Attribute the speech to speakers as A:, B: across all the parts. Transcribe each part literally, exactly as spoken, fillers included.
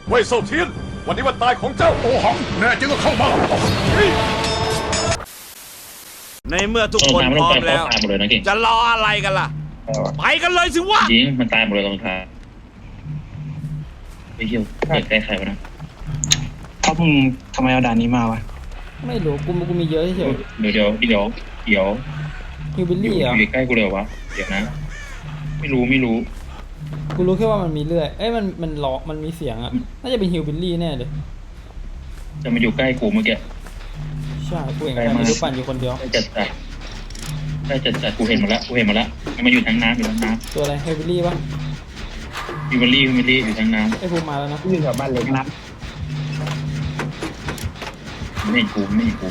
A: เว่ยเซาเทียนวันนี้วันตายของเจ้าโอหังแน่จริงก็เข้ามา
B: ในเมื่อทุกคนพร้อมแล้วจะรออะไรกันล่ะไปกันเลยสิวะ
C: จริงมันตายหมดเลยตรงท้ายไปเที่ยวเปิดใกล้ใครวะนะ
D: เขามึงทำไมเอาด่านนี้มาวะ
E: ไม่รู้กูกูมีเยอะเฉย
C: เดี๋ยวเดี๋ยวเดี๋ยวเดี๋ยว
E: ฮิวบิลลี่เหรอ
C: อยู่ใกล้กูเลยวะเดี๋ยวนะไม่รู้ไม่รู้
E: กูรู้แค่ว่ามันมีเลื่อยเอ้ยมันมันล้อมันมีเสียงอ่ะน่าจะเป็นฮิวบิลลี่แน่เลย
C: จะมาอยู่ใกล้กูเมื่อกี้
E: ใช่กูเห็นใครไม่รู้ปั่นอยู่คนเดียว
C: ได้จัดจัดได้จัดจัดกูเห็นมาแล้วกูเห็นมาแล้วมันมาอยู่ทางน้ำอยู่ทางน้
E: ำตัวอะไรฮิวบิลลี่ปะ
C: ฮิวบิลลี่ฮิวบิลลี่อยู่ทางน้ำ
E: ไอ้ภูมิมาแล้วนะ
D: อยู่แถวบ้านเล็กนะ
C: ไม่กูไม่กู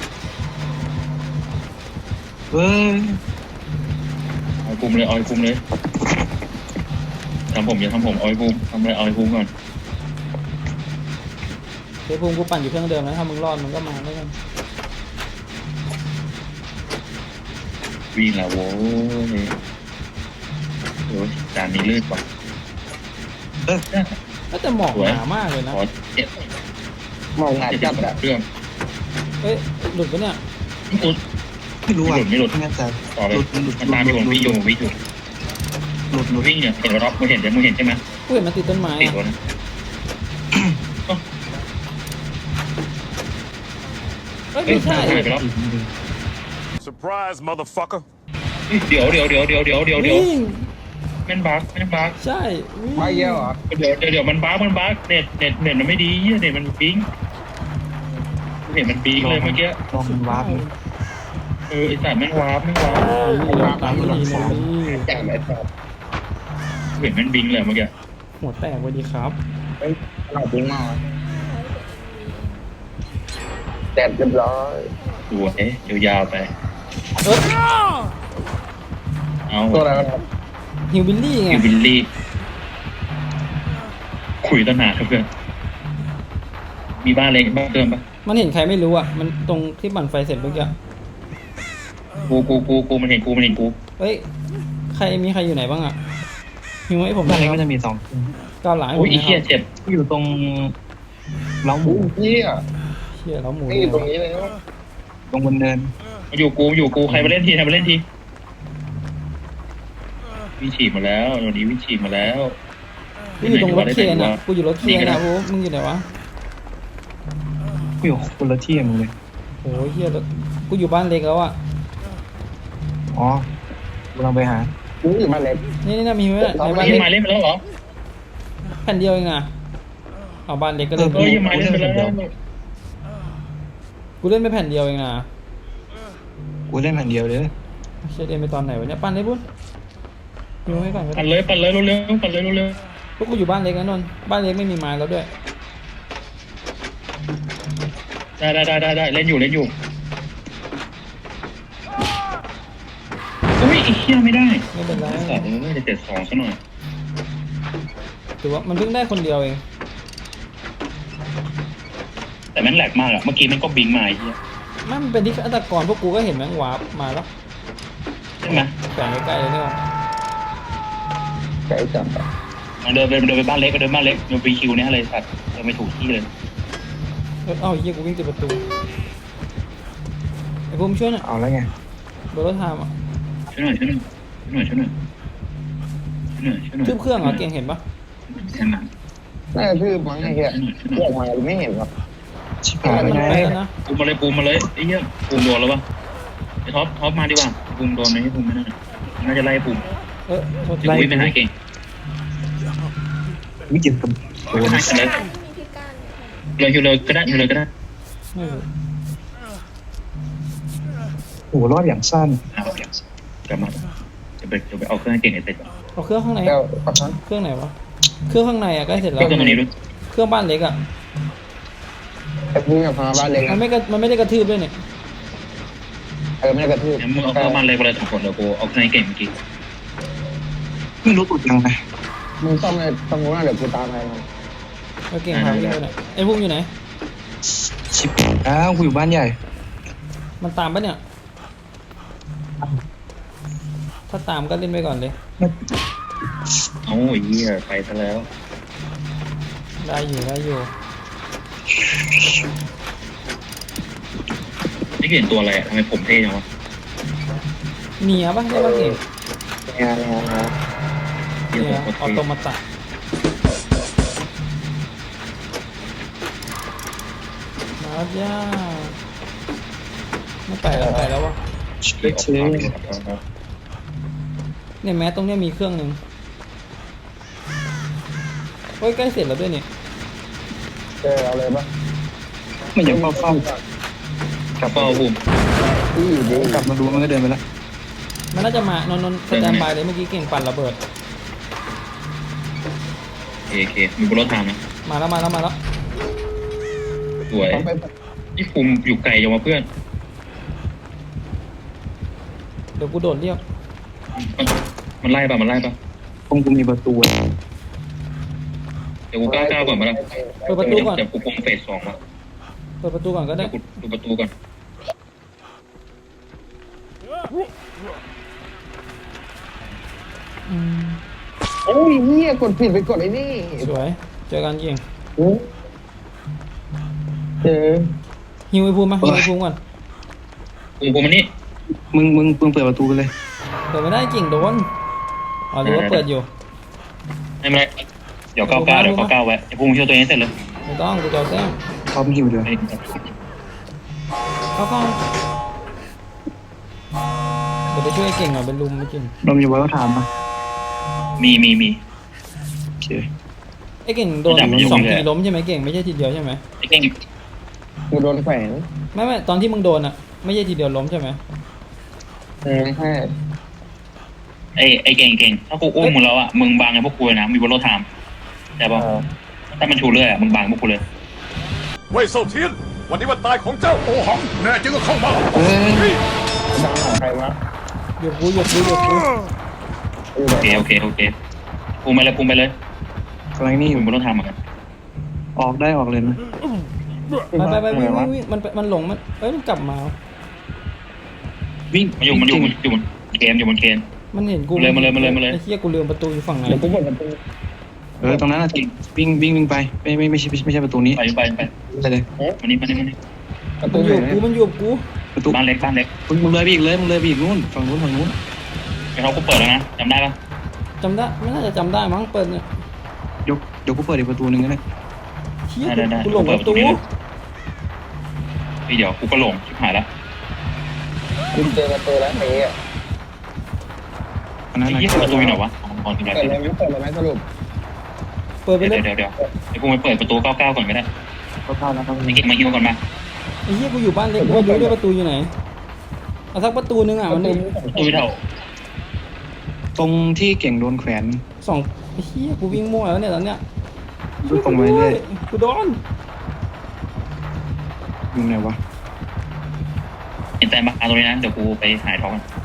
D: เฮ้ย
C: เอาคุมเลยเอาคุมเลยทำผมอย่าทำผมเอาคุมทำอะไรเอาคุมก่อน
E: ไอ้ภูมิกูปั่นอยู่เครื่องเดิมนะถ้ามึงรอดมึงก็มาแล้วกัน
C: วิ่งแล้วโว้ยโอ้ยจานนี้ลื่นกว่า
D: เออ
E: ก็จะหมอกหนามากเลยนะ
D: หมอกหนาจับอะ
C: เครื่อง
E: เอ้ยหลุดปะเนี่ย
D: ไม่รู้อ่ะ
C: ไม่หลุด
D: ไม่แน่ใจ
C: ต่อเลยมันตามอยู่วิ่งอยู่วิ่งอยู่
D: หลุดหลุด
C: วิ่งเนี่ยเห็นรอบมึงเห็นใช่มึงเห็นใช่ไหม
E: กูเห็นมันติดต้นไม้
C: ติดรถนะ
E: เอ้ยไม่ใช่
C: ไปแล้ว
A: surprise motherfucker
C: เดี๋ยวเดี๋ยวเดี๋ยวเดี๋ยวเดี๋ยวเดี๋ยวเดี๋ยวแม่นบั๊กแม่นบั๊ก
E: ใช่
D: ไม่เยอะเหรอ
C: เดี๋ยวเดี๋ยวเดี๋ยวมันบั๊กมันบั๊กเน็ตเน็ตเน็ตมันไม่ดีเน็ตมันปิ๊งเห็นมันปิ๊งเลยเมื่อกี้
D: ลองมันวาร์ป
C: เออไอสัตว์แม่งวาร์ปแม่งวาร์ป
E: วาร์ปตามดีเลย
D: แจ่มไอ้สัตว์
C: เห็นมันบิงเลยเมื่อกี้
E: หัวแตกวันดีครับ
D: เฮ้ยหลับบิงมากแดดเรียบร้อย
C: ดูเอ๊ะยาวๆไปเอา
D: ตัวอะไรกัน
E: ฮิวบิลลี่ไง
C: ฮิวบิลลี่คุยตั้งนานเพื่อนมีบ้านเล็กบ้านเดิมปะ
E: มันเห็นใครไม่รู้อ่ะมันตรงที่ปั่นไฟเสร็จเมื่อกี้
C: กูกูกูกูมันเห็นกูมันเห็นกู
E: เฮ้ยใครมีใครอยู่ไหนบ้างอ่ะฮิวให้ผม
D: บ้านเล็กก็จะมีสอง
E: ก้าวหลัง
C: โอ้ยอีเหี้ยเจ็บ
D: อยู่ตรงเล้าหมูเหี้ย
E: เหี้ยเล้าหมู
D: อยู่ตรงนี้เลยตรงบนเนิน
C: มาอยู่กูอยู่กูใครมาเล่นทีใครมาเล่นทีวิฉีกมาแล้ววันนี้วิฉีกมาแล้ว
E: กูอยู่ตรงรถเคนอ่ะกูอยู่รถเคนนะโอ้มึงอยู่ไหนวะ
D: กูอยู่คนละที่มึงเลย
E: โอ้ยเฮียกูอยู่บ้านเล็กแล้วอ่ะ
D: อ๋อกูลองไปหากูอยู่บ้านเล็ก
E: นี่นี่นะมีไหมใน
C: บ้านเล็กมาเล่นไปแล้วเหรอ
E: แผ่นเดียวเองอ่ะเอาบ้านเล็กก็เล่น
C: เออยังมาเล่นไปแล้ว
E: กูเล่นไปแผ่นเดียวเองนะ
D: กูเล่นแผ่นเดียวเลย
E: เชดเล่นไปตอนไหนวะเนี่ยปั่นได้ปุ๊บอยู่ให้ก่อน
C: ปั่นเลยปั่นเลยเร็วๆปั่นเลยเร็ว
E: ๆพวกกูอยู่บ้านเล็กนะนนท์บ้านเล็กไม่มีไม้แล้วด้วย
C: ได้ได้ได้ได้เล่นอยู่เล่นอยู่โอ้ยอีกเชี่ยไม่ได้
E: ไม่เป็นไร
C: สองเออจะเจ็ดสองซะหน่อย
E: ถือว่ามันเพิ่งได้คนเดียวเอง
C: แต่แม่งแหลกมากอะเมื่อกี้มันก็บิงมาไอ้เหี้ย
E: มันเป็นที่ฆาตกรพวกกูก็เห็นแม่งวาร์ปมาแล้ว
C: ใช่ไหม
E: แฝงใกล้ๆเลยเนี่ย
D: ใกล้จัง
C: เดินไปเดินไปบ้านเล็กก็เดินบ้านเล็กเดินไปคิวเนี่ยอะไรสัตว์เดินไม่ถูกที่เลย
E: เออเอ้าเฮียกูวิ่งติดประตูไอ้ภูมิช่วยหน่อย
D: เอาแล้วไง
E: โดนรถทามอ่ะ
C: ช่วยหน่อยช่วยหน่อยช่วยหน่อยช่วยหน่อยช่วยหน่อยช่วยหน่อย
E: ทืบเครื่องเหรอเก่งเห็นปะ
C: ใช่ไหม
D: น่าจะทืบมั้งไอ้เหี้ยเรียกมาไม่เห็นหรอกชิบหาย
E: ไงนะ
C: ปูมาเลยปูมาเลยไอ้เหี้ยปูโดนแล้วปะไอ้ท็อปท็อปมาดีกว่าปูโดนไหมปูไม่ได้น่าจะไล่ปู
E: เออ
C: ไล่ไปหาเก่ง
D: วิจิตรกับ
C: โดนเลยเลยอยู่เลยก็ได้อยู่เลยก็ได้
D: โอ้รอดอย่างสั้น
C: กลับมาจะไปจะไปเอาเครื่องเก่งไอ้เต็ด
E: เอาเครื่องข้างในเครื่องไหนวะเครื่องข้างในอ่ะใกล้เสร็จแล้ว
C: เครื่องตรงนี้ด้วย
E: เครื่องบ้านเล็กอ่ะ
D: ไอ้พวกนี้มาบ้านเล็ก
E: มันไม่มันไม่ได้กระทืบด้วยเนี่ย
D: เออไม่ได้กระทืบ
C: มึงเอาเครื่องบ้านเล็กไปเลยทุกคนเดี๋ยวกูเอาเครื่องเก่งเมื่อกี้
D: ไม่รู้ตุดยังไงมึงต้องเลยต้องรู้นะเดี๋ยวกูตามไป
E: โอเคพาไปเลยนะไอ้พวกอยู่ไหน
D: ชิบอ้าวกูอยู่บ้านใหญ่
E: มันตามปะเนี่ยถ้าตามก็เล่นไปก่อนเลย
C: โอ้ยเหี้ยไปซะแล้ว
E: ได้อยู่ได้อยู่
C: นี่เห็นตัวอะไรอะทำไมผมเท่จังวะ
E: เนียป่ะใช่ป่ะเก่ง
D: งานงานงาน
E: เนียออโตมาตะมาแล้วย่าไม่ไปแล้วไปแล้ววะ
D: เล็กเชื่อ
E: เนี่ยแม้ตรงเนี้ยมีเครื่องหนึ่งเฮ้ยใกล้เสร็จแล้วด้วยเนี่ย
D: เจอเอาเลยปะมันยังเฝ้าเฝ้าก
C: ลับเป้าภูมิ
D: ที่อยู่ดีกลับมาดูมันก็เดินไปแล้ว
E: มันน่าจะมานอนนอนสแตนบายเลยเมื่อกี้เก่งปั่นระเบิด
C: โอเคมีบนรถทางนะ
E: มาแล้วมาแล้วมาแล้ว
C: สวยนี่ภูมิอยู่ไกลจังวะเพื่อน
E: เดี๋ยวกูโดดเรียก
C: มันมันไล่ป่ะมันไล่ป่ะ
D: คงกูมีประตู
C: เดี๋ยวกูก้าวก้าวก่อนมาแล้ว
E: เปิดประตูก่อน
C: เดี๋ยวกูคงเฟสสองมา
E: เปิดประตูก่อนก็ได้
C: เดี๋ยวกูดูประตูก่อน
E: อืม
D: โอ้ยเฮียกดผิดไปกดไอ้นี่
E: สวยเจอกันเก่ง
D: เจอ
E: ฮิวไอ้ภูมิมาฮิวไอ้ภูมิก่อน
C: ภูมิภูมิมันนี่
D: มึงมึงมึงเปิดประตูไปเลย
E: เปิดไม่ได้เก่งโดนอ๋อหรือว่าเปิดอยู่
C: ไม่เป็นไรเดี๋ยวก้าวก้าวเดี๋ยวก้าวก้าวไว้ไอ้ภูมิช่วยตัวเองให้เสร็จเลย
E: ไม่ต้องกูจะเอาแต้ม
D: พร้อมหิวเดียว
E: เข้าเข้าเดี๋ยวไปช่วยไอ้เก่งหน่อยเป็นลุมไม่เก่ง
D: เรามีไว้ก็ถามมา
C: มีมีมี
D: โอเค
E: ไอ้เก่งโดน
C: จับอยู่
E: สอง
C: เลย
E: ทีล้มใช่ไหมเก่งไม่ใช่ทีเดียวใช่ไหม
C: ไอ้เก่ง
D: กูโดนแขวน
E: ไม่ไม่ตอนที่มึงโดนอ่ะไม่ใช่ทีเดียวล้มใช่ไหม
D: เออใช่
C: ไอ้ไอ้เก่งเก่งถ้ากูอุ้มมึงแล้วอ่ะมึงบังไอ้พวกกูเลยนะมีบนรถทางแต่ป่ะถ้ามันชูเรื่อยอ่ะมึงบังพวกกูเลย
A: เว่ยเซาเทียน วันนี้วันตายของเจ้าโอหังแน่จริงก็เข้ามา
D: เฮ้ยดังของใครวะ
E: หยุดกูหยุดกูหยุดกู
C: โอเคโอเคโอเคภูมิไปเลยภูมิไปเลย
D: กำลังนี่อ
C: ภู
D: ยู่
C: มิบนรถทางเหมือนกัน
D: ออกได้ออกเลยนะ
E: ไปไปไปวิ่งวิ่งวิ่งมันมันหลงมันเอ้ยมันกลับมา
D: วิ่ง
C: มันอยู่มันอยู่มันอยู่บนเกมอยู่บนเกม
E: มันเห็นกู
C: มาเลยมาเลยมาเลยมาเลย
E: ไอ้เหี้ยกูลืมประตูอยู่ฝั่งไหน
D: เดี๋ยวกูเปิดประตูเออตรงนั้นน่ะจริงวิ่งวิ่งวิ่งไปไม่ไม่ไม่ใช่ไม่ใช่ประตูนี้
C: ไปไปไป
D: ไปเลย
C: มานี่มานี่มานี่
D: ประตู
E: มันอ
D: ไหน
E: ยู่กูมันอยู่กู
D: ประตู
C: บ้านเล็กบ้านเล็ก
D: มึงมึงเลยไปอีกเลยมึงเลยไปอีกนู่นฝั่งนู้นฝั่งนู้น
C: ไอ้เขากูเปิดแล้วนะจำได้ปะ
E: จำได้ไม่น่าจะจำได้มั้งเปิดเนี่ย
D: ยกเดี๋ยวกูเปิดอีกประตูหนึ่งก็ได้
E: เหี้ย
C: ได้ได้
E: กูหลงประตู
C: พี่เดี๋ยวกูก็หลงชิบหายแล้ว
D: คุณเจอประตูแล้วเฮ้ยอันนั้น
C: ไอ้
D: นะ
C: ยี่ประตูอยู่ไหนวะอ๋อที่ไหน
D: เปิดเลยเปิดเลยไหมสรุป
E: เปิดไป
C: เดี๋ยว
E: เลย
C: เดี๋ยวเดี๋ยวไอ้กูไปเปิดประตูเก้าเก้าก่อนก็ได้
D: ก็เข้าแล้วครับ
C: ไอ้เก่งมาฮิวก่อนมา
E: ไอ้เหี้ยกูอยู่บ้านเล็กกูไม่รู้ด้วยประตูอยู่ไหนเอาสักประตูนึงอ่ะมันมี
C: ประตูเท่า
D: ตรงที่เก่งโดนแขวน
E: สองไอ้เหี้ยกูวิ่งมั่วแล้วเนี่ยตอนเนี้ย
D: ดูตรงไปเรื่อย
E: กูโดน
D: อยู่ไหนวะ
C: เห็นแต่มาตรงนี้นะเดี๋ยวกูไปหายท้องกัน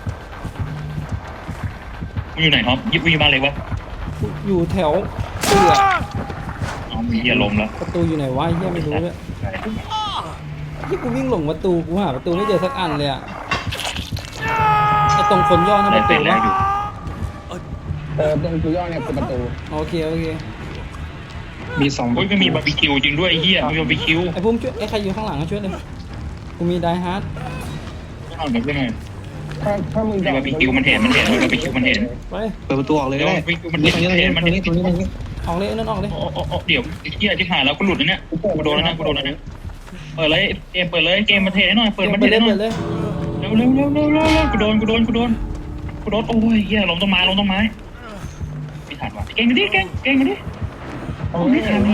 C: มึงอยู่ไหนท็อปยิบวิ่งบ้านเล็กวะ
E: กูอยู่แถวเสือ
C: อ๋อมีเหี้ยลมแล้ว
E: ประตูอยู่ไหนวะไอ้เหี้ยไม่รู้เลยที่กูวิ่งหลงประตูกูหาประตูไม่เจอสักอันเลยอะไอ้ตรงคนย่อนั่น
C: ได้
E: ประ
C: เป็
E: ตู
C: นแร
E: วะ
C: กอยู่
D: เออตรงกูย่อเนี่ยคือประตู
E: โอเคโอเค
D: มีสอง
C: โอ้ยไม่มีบาร์บีคิวจริงด้วยไอ้เหี้ยมีบาร์บีคิว
E: ไอ้พุ่มช่วยไอ้ใครอยู่ข้างหลังก็ช่วยเลยกูมีไดฮาร์ด
C: เอาแบบนี้หน่อย
D: ถ้าถ้ามึง
C: มีบาร์บีคิวมันเห็นมันเห็นบาร์บีคิวมันเห็น
E: ไป
D: เปิดประตูออกเลยก็ได้
C: มัน
D: นี่
C: เห็น
D: ตรงนี้ตรงนี้ตรงนี้ตรงนี้
E: ออกเลยนั่นออกเลย
C: โอ้โอ้โอ้เดี๋ยวไอ้เหี้ยที่หายแล้วกูหลุดแล้วเนี่ยกูโดนแล้วนะกูโดนแล้วนะเปิดเลยเกมเปิดเลยเกมมาเทให้หน่อยเปิดมา
E: ไป
C: เท
E: เลย
C: ให้หน่
E: ไป
C: อย
E: เลย
C: เร็วเร็วเร็วเร็วเร็วเร็วกูโดนกูโดนกูโดนกูโดนโอ้ยเหี้ยลงต้นไม้ลงต้นไม้ไม่ทันว่ะเก่งมาดิเก่งเก่งมาดิโอ้ไม่ทัน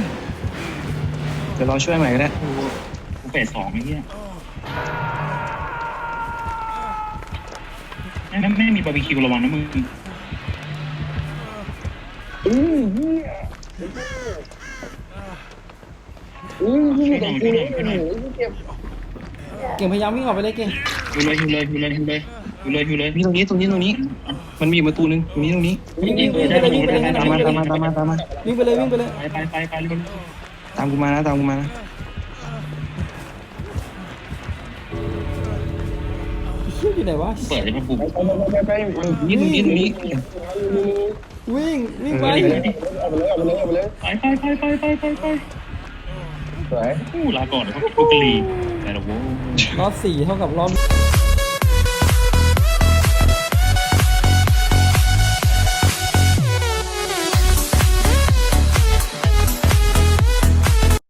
D: เดี๋ยวเราช่วยใหม่ก็ได้
C: กูเฟสสองไอ้เหี้ยแม่แม่มีบาร์บีคิวระวังนะมึง
D: อือเฮียอือเฮียตรงกูเลยโอ้โหเจ็บ
E: เก่งพยายามวิ่งออกไปเลยเก่ง
C: ฮิวเลยฮิวเลยฮิวเลยฮิวเลยฮิวเลยฮิวเลย
D: มีตรงนี้ตรงนี้ตรงนี้ มันมีอีกประตูหนึ่งตรงนี้ตรงนี้
E: วิ่งวิ่งวิ่งไปเลยวิ่งไปเลย
D: ตามมาตามมาตามมาตามมา
E: วิ่งไปเลยวิ่งไปเลย
C: ไปไปไปไปเร็ว
D: ตามกูมานะตามกูมานะ
E: เชี่ยอยู่ไหนวะ
C: เปิดให้มันบุก
D: ไปไปไปไปตรงนี้ตรงนี้ตรงนี้
E: วิ่งวิ่ง
C: ไป
E: ไป
C: ดิ
D: เอาไปเลยเอาไปเลยเอาไปเลย
C: ไปไปไปไปไปไปไป
D: สวย
C: อู้ลาก่อนพวกกะลีแต่ละโว้
E: รอบสี่เท่ากับรอบ